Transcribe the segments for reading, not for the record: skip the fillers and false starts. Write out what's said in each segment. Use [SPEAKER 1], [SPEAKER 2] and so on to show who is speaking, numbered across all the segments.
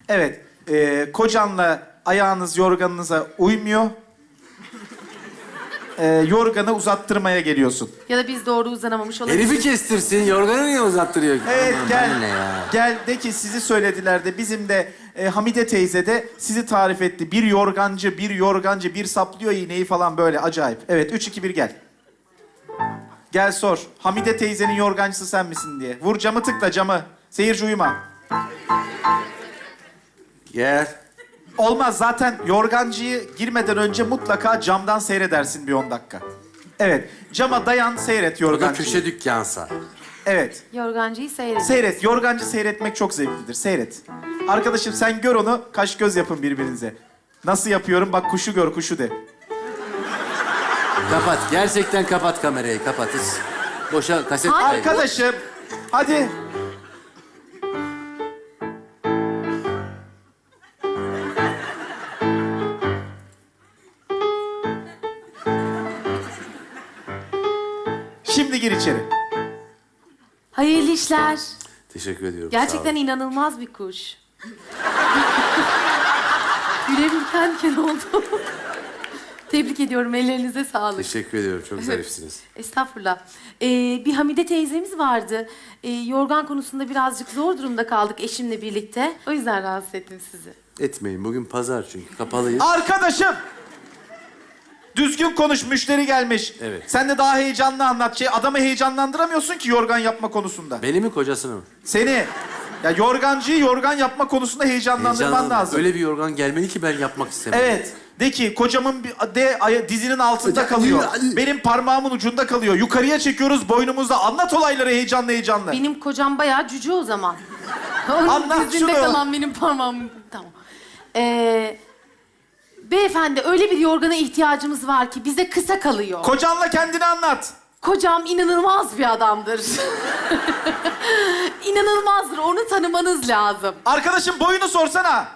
[SPEAKER 1] Evet. Kocanla ayağınız yorganınıza uymuyor. Yorganı uzattırmaya geliyorsun.
[SPEAKER 2] Ya da biz doğru uzanamamış olabiliriz.
[SPEAKER 3] Herifi kestirsin, yorganı niye uzattırıyor?
[SPEAKER 1] Evet
[SPEAKER 3] Aman,
[SPEAKER 1] gel.
[SPEAKER 3] bana ne ya?
[SPEAKER 1] Gel de ki sizi söylediler de bizim de Hamide teyze de sizi tarif etti. Bir yorgancı, bir saplıyor iğneyi falan böyle acayip. Evet 3, 2, 1 gel. Gel sor. Hamide teyzenin yorgancısı sen misin diye. Vur camı tıkla camı. Seyirci uyuma.
[SPEAKER 3] Gel.
[SPEAKER 1] Olmaz zaten yorgancıyı girmeden önce mutlaka camdan seyredersin bir 10 dakika. Evet cama dayan seyret
[SPEAKER 3] O da
[SPEAKER 1] yorgancıyı.
[SPEAKER 3] köşe dükkansa.
[SPEAKER 1] Evet.
[SPEAKER 2] Yorgancıyı seyredin.
[SPEAKER 1] Seyret. Yorgancı seyretmek çok zevklidir. Seyret. Arkadaşım sen gör onu, kaş göz yapın birbirinize. Nasıl yapıyorum? Bak kuşu gör, kuşu de.
[SPEAKER 3] Kapat. Gerçekten kapat kamerayı. Kapat. Hiç boşa kaset
[SPEAKER 2] Hayır.
[SPEAKER 3] kaybı.
[SPEAKER 1] Arkadaşım, hadi. Şimdi gir içeri.
[SPEAKER 2] Hayırlı işler.
[SPEAKER 3] Teşekkür ediyorum.
[SPEAKER 2] Gerçekten inanılmaz bir kuş. Gülerim kenken oldu. Tebrik ediyorum, ellerinize sağlık.
[SPEAKER 3] Teşekkür ediyorum. Çok zarifsiniz.
[SPEAKER 2] Estağfurullah. Bir Hamide teyzemiz vardı. Yorgan konusunda birazcık zor durumda kaldık eşimle birlikte. O yüzden rahatsız ettim sizi.
[SPEAKER 3] Etmeyin. Bugün pazar çünkü. Kapalıyız.
[SPEAKER 1] Arkadaşım! Düzgün konuş, müşteri gelmiş.
[SPEAKER 3] Evet.
[SPEAKER 1] Sen de daha heyecanlı anlat. Adamı heyecanlandıramıyorsun ki yorgan yapma konusunda.
[SPEAKER 3] Beni mi kocasını mı?
[SPEAKER 1] Seni. Ya yorgancıyı yorgan yapma konusunda heyecanlandırman
[SPEAKER 3] Heyecanlı.
[SPEAKER 1] lazım.
[SPEAKER 3] Öyle bir yorgan gelmeli ki ben yapmak istemiyorum.
[SPEAKER 1] Evet. De ki kocamın dizinin altında kalıyor. Benim parmağımın ucunda kalıyor. Yukarıya çekiyoruz boynumuzda. Anlat olayları heyecanlı heyecanlı.
[SPEAKER 2] Benim kocam bayağı cüce o zaman. Onun
[SPEAKER 1] Anlat
[SPEAKER 2] dizinde
[SPEAKER 1] şunu.
[SPEAKER 2] kalan benim parmağım. Tamam. Beyefendi öyle bir yorgana ihtiyacımız var ki bize kısa kalıyor.
[SPEAKER 1] Kocanla kendini anlat.
[SPEAKER 2] Kocam inanılmaz bir adamdır. İnanılmazdır. Onu tanımanız lazım.
[SPEAKER 1] Arkadaşım boyunu sorsana.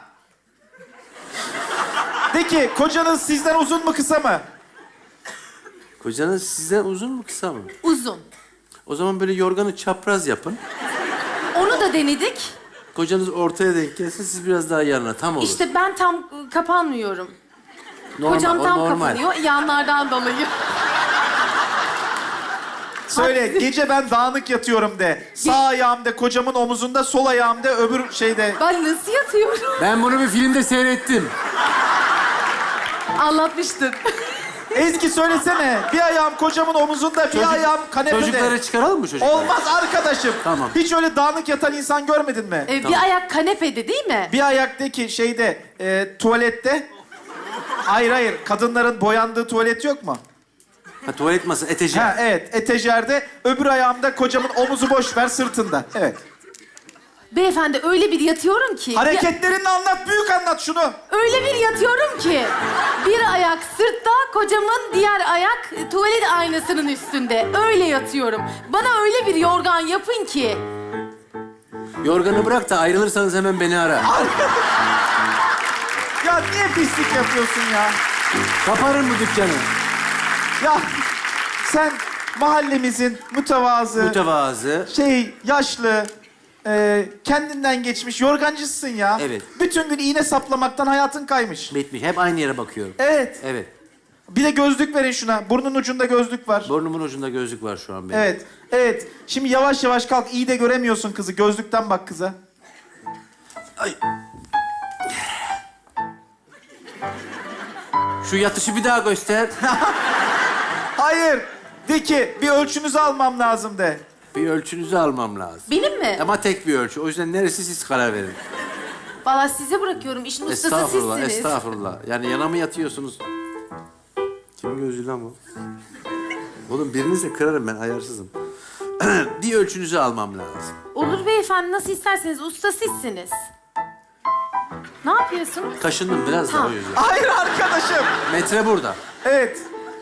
[SPEAKER 1] De ki kocanız sizden uzun mu kısa mı?
[SPEAKER 3] Kocanız sizden uzun mu kısa mı?
[SPEAKER 2] Uzun.
[SPEAKER 3] O zaman böyle yorganı çapraz yapın.
[SPEAKER 2] Onu da denedik.
[SPEAKER 3] Kocanız ortaya denk gelsin, siz biraz daha yanına. Tam olur.
[SPEAKER 2] İşte ben tam kapanmıyorum.
[SPEAKER 3] Normal,
[SPEAKER 2] Kocam
[SPEAKER 3] o
[SPEAKER 2] tam
[SPEAKER 3] normal.
[SPEAKER 2] kapanıyor yanlardan dolayı.
[SPEAKER 1] Söyle gece ben dağınık yatıyorum de. Sağ ayağım de kocamın omuzunda, sol ayağım de öbür şeyde.
[SPEAKER 2] Ben nasıl yatıyorum?
[SPEAKER 3] Ben bunu bir filmde seyrettim.
[SPEAKER 2] Anlatmıştın.
[SPEAKER 1] Ezgi söylesene. Bir ayağım kocamın omuzunda, bir ayağım kanepede.
[SPEAKER 3] Çocukları çıkaralım mı çocukları?
[SPEAKER 1] Olmaz arkadaşım.
[SPEAKER 3] Tamam.
[SPEAKER 1] Hiç öyle dağınık yatan insan görmedin mi?
[SPEAKER 2] Bir ayak kanepede değil mi?
[SPEAKER 1] Bir ayak de ki şeyde, tuvalette. Hayır, kadınların boyandığı tuvalet yok mu?
[SPEAKER 3] Ha, tuvalet masası, etejer.
[SPEAKER 1] Ha evet, etejerde. Öbür ayağımda kocamın omuzu boş ver sırtında. Evet.
[SPEAKER 2] Beyefendi öyle bir yatıyorum ki...
[SPEAKER 1] Hareketlerini anlat, büyük anlat şunu.
[SPEAKER 2] Öyle bir yatıyorum ki... Bir ayak sırtta, kocamın diğer ayak tuvalet aynasının üstünde. Öyle yatıyorum. Bana öyle bir yorgan yapın ki...
[SPEAKER 3] Yorganı bırak da ayrılırsanız hemen beni ara.
[SPEAKER 1] Ya niye pislik yapıyorsun ya?
[SPEAKER 3] Kaparım bu dükkanı.
[SPEAKER 1] Ya sen mahallemizin
[SPEAKER 3] Mütevazı.
[SPEAKER 1] yaşlı, kendinden geçmiş yorgancısın ya.
[SPEAKER 3] Evet.
[SPEAKER 1] Bütün gün iğne saplamaktan hayatın kaymış.
[SPEAKER 3] Bitmiş. Hep aynı yere bakıyorum.
[SPEAKER 1] Evet.
[SPEAKER 3] Evet.
[SPEAKER 1] Bir de gözlük verin şuna. Burnun ucunda gözlük var.
[SPEAKER 3] Burnumun ucunda gözlük var şu an benim.
[SPEAKER 1] Evet. Şimdi yavaş yavaş kalk. İyi de göremiyorsun kızı. Gözlükten bak kıza.
[SPEAKER 3] Ay. Şu yatışı bir daha göster.
[SPEAKER 1] Hayır. De ki bir ölçünüzü almam lazım de.
[SPEAKER 3] Bir ölçünüzü almam lazım.
[SPEAKER 2] Benim mi?
[SPEAKER 3] Ama tek bir ölçü. O yüzden neresi siz karar verin.
[SPEAKER 2] Vallahi size bırakıyorum. İşin ustası
[SPEAKER 3] Estağfurullah,
[SPEAKER 2] sizsiniz.
[SPEAKER 3] estağfurullah. Yani yana mı yatıyorsunuz? Kimin gözü lan bu? Oğlum birinizi de kırarım ben, ayarsızım. Bir ölçünüzü almam lazım.
[SPEAKER 2] Olur beyefendi, nasıl isterseniz. Usta sizsiniz. Ne yapıyorsunuz?
[SPEAKER 3] Kaşındım biraz da
[SPEAKER 2] Ha.
[SPEAKER 3] o yüzden.
[SPEAKER 1] Hayır arkadaşım.
[SPEAKER 3] Metre burada.
[SPEAKER 1] Evet.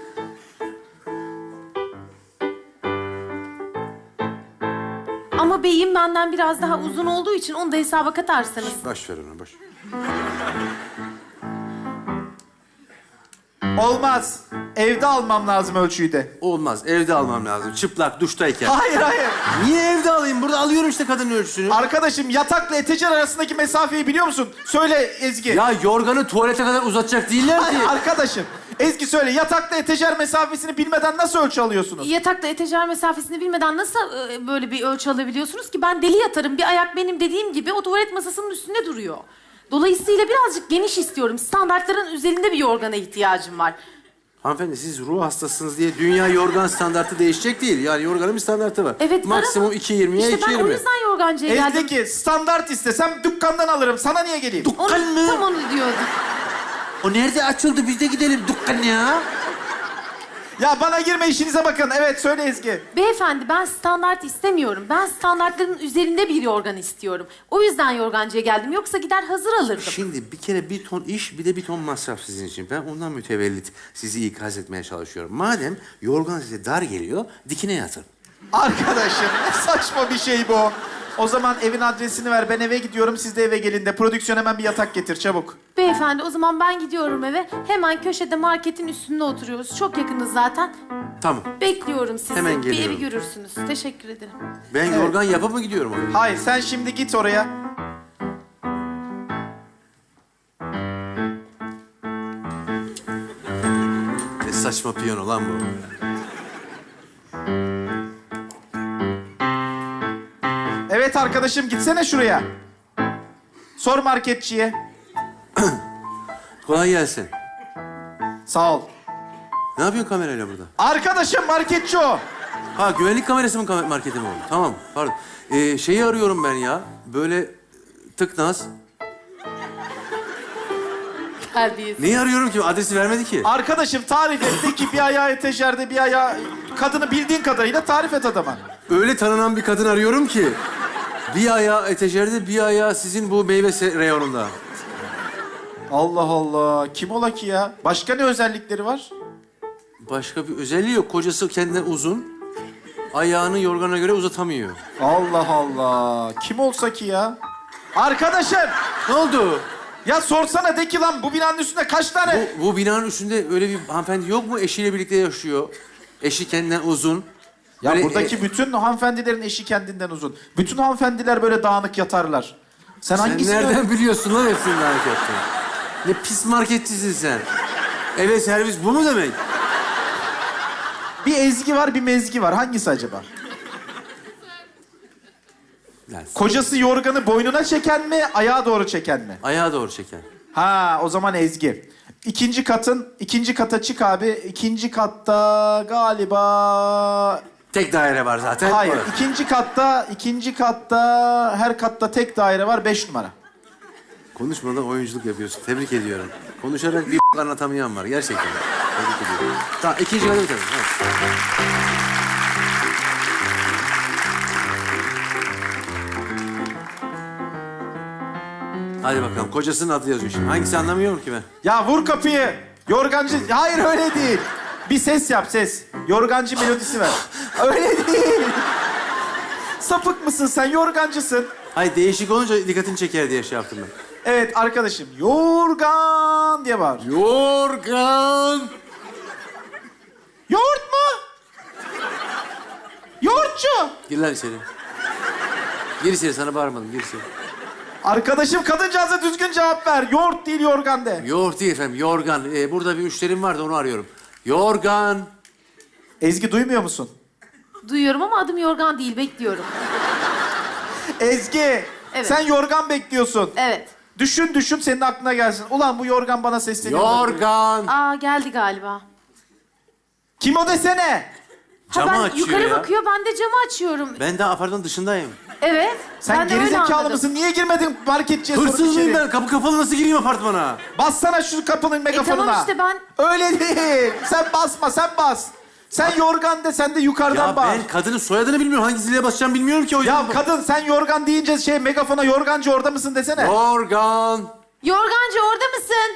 [SPEAKER 2] Ama beyim benden biraz daha uzun olduğu için onu da hesaba katarsanız.
[SPEAKER 3] Boş ver onu, boş.
[SPEAKER 1] Olmaz. Evde almam lazım ölçüyü de.
[SPEAKER 3] Olmaz. Evde almam lazım. Çıplak, duştayken.
[SPEAKER 1] Hayır hayır.
[SPEAKER 3] Niye evde alayım? Burada alıyorum işte kadının ölçüsünü.
[SPEAKER 1] Arkadaşım yatakla etecer arasındaki mesafeyi biliyor musun? Söyle Ezgi.
[SPEAKER 3] Ya yorganı tuvalete kadar uzatacak değiller ki.
[SPEAKER 1] Hayır, arkadaşım. Ezgi söyle yatakla etecer mesafesini bilmeden nasıl ölçü alıyorsunuz?
[SPEAKER 2] Yatakta etejer mesafesini bilmeden nasıl böyle bir ölçü alabiliyorsunuz ki? Ben deli yatarım. Bir ayak benim dediğim gibi o tuvalet masasının üstünde duruyor. Dolayısıyla birazcık geniş istiyorum. Standartların üzerinde bir yorgana ihtiyacım var.
[SPEAKER 3] Hanımefendi siz ruh hastasınız diye dünya yorgan standartı değişecek değil. Yani yorganın bir standartı var.
[SPEAKER 2] Evet,
[SPEAKER 3] Maksimum
[SPEAKER 2] var ama
[SPEAKER 3] 2.20'ye
[SPEAKER 2] İşte ben o
[SPEAKER 3] 2.20.
[SPEAKER 2] yüzden yorgancıya geldim.
[SPEAKER 1] Ezdeki standart istesem dükkandan alırım. Sana niye geleyim?
[SPEAKER 3] Dükkan mı?
[SPEAKER 2] Tam onu diyordum.
[SPEAKER 3] O nerede açıldı? Biz de gidelim dükkan ya.
[SPEAKER 1] Ya bana girme işinize bakın. Evet söyle Ezgi.
[SPEAKER 2] Beyefendi ben standart istemiyorum. Ben standartların üzerinde bir yorgan istiyorum. O yüzden yorgancıya geldim. Yoksa gider hazır alırdım.
[SPEAKER 3] Şimdi bir kere bir ton iş, bir de bir ton masraf sizin için. Ben ondan mütevellit sizi ikaz etmeye çalışıyorum. Madem yorgan size dar geliyor, dikine yatın.
[SPEAKER 1] Arkadaşım ne saçma bir şey bu. O zaman evin adresini ver. Ben eve gidiyorum. Siz de eve gelin de. Prodüksiyon hemen bir yatak getir çabuk.
[SPEAKER 2] Beyefendi o zaman ben gidiyorum eve. Hemen köşede marketin üstünde oturuyoruz. Çok yakınız zaten.
[SPEAKER 3] Tamam.
[SPEAKER 2] Bekliyorum sizi.
[SPEAKER 3] Hemen
[SPEAKER 2] Bir
[SPEAKER 3] geliyorum.
[SPEAKER 2] evi görürsünüz. Teşekkür ederim.
[SPEAKER 3] Ben yorgan yapıp mı gidiyorum oraya?
[SPEAKER 1] Hayır sen şimdi git oraya.
[SPEAKER 3] Ne saçma piyano lan bu.
[SPEAKER 1] Evet arkadaşım gitsene şuraya. Sor marketçiye.
[SPEAKER 3] Kolay gelsin.
[SPEAKER 1] Sağ ol.
[SPEAKER 3] Ne yapıyorsun kamerayla burada?
[SPEAKER 1] Arkadaşım marketçi o.
[SPEAKER 3] Ha güvenlik kamerası mı marketim oldu? Tamam pardon. Şeyi arıyorum ben ya. Böyle tıknaz.
[SPEAKER 2] Terbiyesiz.
[SPEAKER 3] Neyi arıyorum ki? Adresi vermedi ki.
[SPEAKER 1] Arkadaşım tarif etti ki bir ayağı eteşerde bir ayağı... Kadını bildiğin kadarıyla tarif et adama.
[SPEAKER 3] Öyle tanınan bir kadın arıyorum ki. Bir ayağı etejerde, bir ayağı sizin bu meyve reyonunda.
[SPEAKER 1] Allah Allah. Kim ola ki ya? Başka ne özellikleri var?
[SPEAKER 3] Başka bir özelliği yok. Kocası kendinden uzun. Ayağını yorgana göre uzatamıyor.
[SPEAKER 1] Allah Allah. Kim olsa ki ya? Arkadaşım!
[SPEAKER 3] Ne oldu?
[SPEAKER 1] Ya sorsana de ki lan bu binanın üstünde kaç tane...
[SPEAKER 3] Bu binanın üstünde öyle bir hanımefendi yok mu? Eşiyle birlikte yaşıyor. Eşi kendinden uzun.
[SPEAKER 1] Ya
[SPEAKER 3] Böyle,
[SPEAKER 1] buradaki bütün hanımefendilerin eşi kendinden uzun. Bütün hanımefendiler böyle dağınık yatarlar. Sen
[SPEAKER 3] Sen
[SPEAKER 1] hangisini...
[SPEAKER 3] nereden biliyorsun lan hepsinin hareketini? Ne pis marketçisin sen. Eve servis bu mu demek?
[SPEAKER 1] Bir Ezgi var, bir Mezgi var. Hangisi acaba?
[SPEAKER 3] Yani,
[SPEAKER 1] Kocası yorganı boynuna çeken mi, ayağa doğru çeken mi?
[SPEAKER 3] ayağa doğru çeken.
[SPEAKER 1] Ha, o zaman Ezgi. İkinci kata çık abi. İkinci katta galiba...
[SPEAKER 3] Tek daire var zaten.
[SPEAKER 1] Hayır,
[SPEAKER 3] Orası.
[SPEAKER 1] ikinci katta her katta tek daire var, 5 numara.
[SPEAKER 3] Konuşmadan oyunculuk yapıyorsun. Tebrik ediyorum. Konuşarak bir anlatamayan var. Gerçekten. Tebrik ediyorum. Tamam, ikinci kadın tabii. Evet. Hadi bakalım. Kocasının adı yazıyor şimdi. Hangisi anlamıyorum ki ben?
[SPEAKER 1] Ya vur kapıyı. Yorgancı... Hayır öyle değil. Bir ses yap, ses. Yorgancı melodisi ver. Öyle değil. Sapık mısın sen? Yorgancısın.
[SPEAKER 3] Hayır, değişik olunca dikkatini çeker diye şey yaptım ben.
[SPEAKER 1] Evet arkadaşım. Yorgan diye bağır.
[SPEAKER 3] Yorgan.
[SPEAKER 1] Yoğurt mu? Yoğurtçu.
[SPEAKER 3] Gir lan içeri. Gir içeri, sana bağırmadım. Gir içeri.
[SPEAKER 1] Arkadaşım kadıncağıza düzgün cevap ver. Yoğurt değil yorgan de.
[SPEAKER 3] Yoğurt değil efendim, yorgan. Burada bir müşterim vardı, onu arıyorum. Yorgan.
[SPEAKER 1] Ezgi duymuyor musun?
[SPEAKER 2] Duyuyorum ama adım yorgan değil. Bekliyorum.
[SPEAKER 1] Ezgi.
[SPEAKER 2] Evet.
[SPEAKER 1] Sen yorgan bekliyorsun.
[SPEAKER 2] Evet.
[SPEAKER 1] Düşün senin aklına gelsin. Ulan bu yorgan bana sesleniyor.
[SPEAKER 3] Yorgan.
[SPEAKER 2] Aa geldi galiba.
[SPEAKER 1] Kim o desene?
[SPEAKER 3] Camı
[SPEAKER 2] ben
[SPEAKER 3] açıyor
[SPEAKER 2] yukarı
[SPEAKER 3] ya.
[SPEAKER 2] bakıyor, ben de camı açıyorum.
[SPEAKER 3] Ben daha apartmanın dışındayım.
[SPEAKER 2] Evet.
[SPEAKER 1] Sen
[SPEAKER 2] ben de öyle
[SPEAKER 1] gerizekalı
[SPEAKER 2] anladım.
[SPEAKER 1] mısın? Niye girmedin marketçiye sorup
[SPEAKER 3] Hırsız mıyım
[SPEAKER 1] içeri?
[SPEAKER 3] ben? Kapı kapalı nasıl gireyim apartmana?
[SPEAKER 1] Bassana şu kapının megafonuna.
[SPEAKER 2] tamam işte ben-
[SPEAKER 1] Öyle değil. Sen basma, sen bas. Sen yorgan de, sen de yukarıdan
[SPEAKER 3] Ya
[SPEAKER 1] bağır.
[SPEAKER 3] ben kadının soyadını bilmiyorum. Hangi zile basacağım bilmiyorum ki o yüzden.
[SPEAKER 1] Ya kadın sen yorgan deyince megafona yorgancı orada mısın desene.
[SPEAKER 3] Yorgan.
[SPEAKER 2] Yorgancı orada mısın?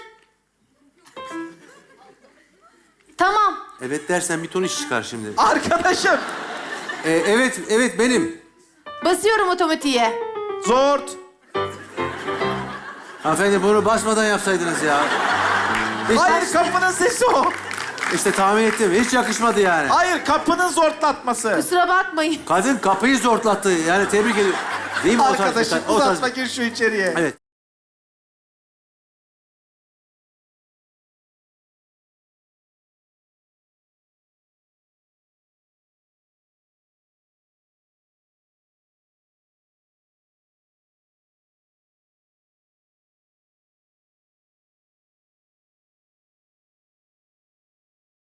[SPEAKER 2] Tamam.
[SPEAKER 3] Evet dersen bir ton iş çıkar şimdi.
[SPEAKER 1] Arkadaşım.
[SPEAKER 3] Evet benim.
[SPEAKER 2] Basıyorum otomatiğe.
[SPEAKER 1] Zort.
[SPEAKER 3] Hanımefendi bunu basmadan yapsaydınız ya.
[SPEAKER 1] Hayır kapının sesi o.
[SPEAKER 3] İşte tahmin ettim. Hiç yakışmadı yani.
[SPEAKER 1] Hayır, kapının zortlatması.
[SPEAKER 2] Kusura bakmayın.
[SPEAKER 3] Kadın kapıyı zortlattı. Yani tebrik ediyorum. Değil mi o tarz bir
[SPEAKER 1] Arkadaşım
[SPEAKER 3] o tarz-
[SPEAKER 1] uzatma, gir şu içeriye.
[SPEAKER 3] Evet.